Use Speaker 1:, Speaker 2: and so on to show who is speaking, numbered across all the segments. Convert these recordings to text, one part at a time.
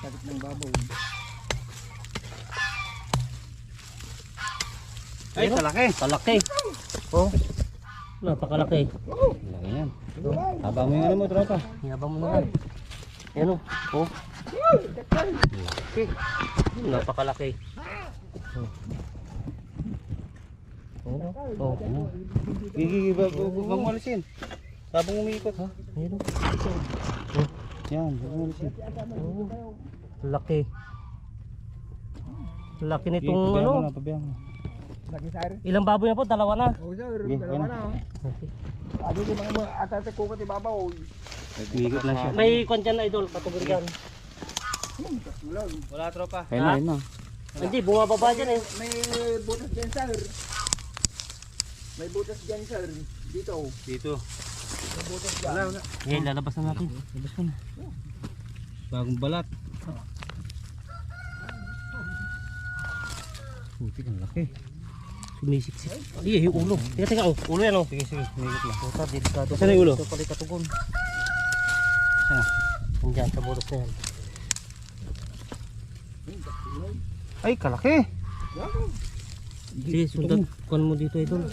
Speaker 1: Sakit ng babaw.
Speaker 2: Ay, kalaki.
Speaker 3: Kalaki. Oh. Napakalaki.
Speaker 2: Laki yan. Haba mo yung ano mo, tropa.
Speaker 3: Yabang mo naman. Yan o. Oh. Laki. Napakalaki. Oh. Oh. Oh.
Speaker 2: Gigi, wag mo alisin. Habang umiikot.
Speaker 3: Ha? Ayun o.
Speaker 2: Yan, wag mo alisin.
Speaker 3: Oh. Laki. Laki
Speaker 2: Gigi,
Speaker 3: nitong
Speaker 2: pabayaan
Speaker 3: ano.
Speaker 2: mo na, pabayaan mo.
Speaker 1: Laki sir.
Speaker 3: Ilang baboy na po? Dalawa na.
Speaker 1: Oo sir,
Speaker 2: Sige,
Speaker 1: dalawa
Speaker 2: yan.
Speaker 1: na.
Speaker 3: Okay.
Speaker 1: Ano yung mga atate ko kati babaw.
Speaker 2: Umiikot lang siya.
Speaker 3: May kwan dyan na idol. Kategory dyan.
Speaker 2: Wala, tropa.
Speaker 3: Ayun na, ayun
Speaker 2: na.
Speaker 3: Hindi, bumababa dyan eh.
Speaker 1: May butas dyan sir. May butas dyan sir. Dito.
Speaker 2: Dito.
Speaker 1: May butas dyan.
Speaker 2: Wala.
Speaker 3: Ngayon, lalabas na natin.
Speaker 2: Labas ko na. Bagong balat. Puti, ang laki.
Speaker 3: Sumisiksik. Iya, yung ulo. Teka, oh. Ulo yan, oh.
Speaker 2: Sige, sige. Umiikot lang.
Speaker 3: Puta, delikado.
Speaker 2: Saan yung ulo?
Speaker 3: Ito pala katugon.
Speaker 2: Saan?
Speaker 3: Nandiyan sa butas na yan.
Speaker 2: Ay, kalaki.
Speaker 3: Sige, sundan. Kuhan mo dito, idol.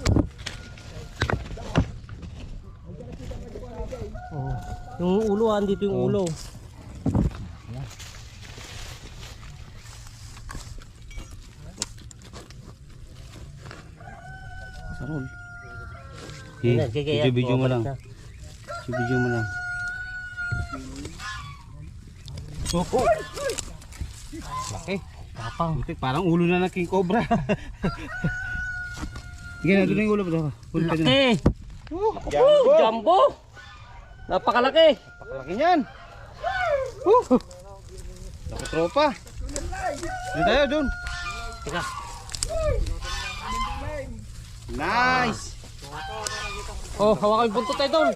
Speaker 3: Oh. Yung ulo, andito yung ulo.
Speaker 2: Sarol.
Speaker 3: Yan, gigaya.
Speaker 2: Video mo lang.
Speaker 3: Na.
Speaker 2: Video mo lang. Oh. Laki.
Speaker 3: Tapang.
Speaker 2: Butik, parang ulo na ng king cobra. Sige na, doon na yung ulo.
Speaker 3: Laki! Jumbo! Napakalaki!
Speaker 2: Pakalaki niyan. Laki tropa. Doon tayo, doon.
Speaker 3: Teka.
Speaker 2: Nice.
Speaker 3: Oh, hawakan yung buntot, idol.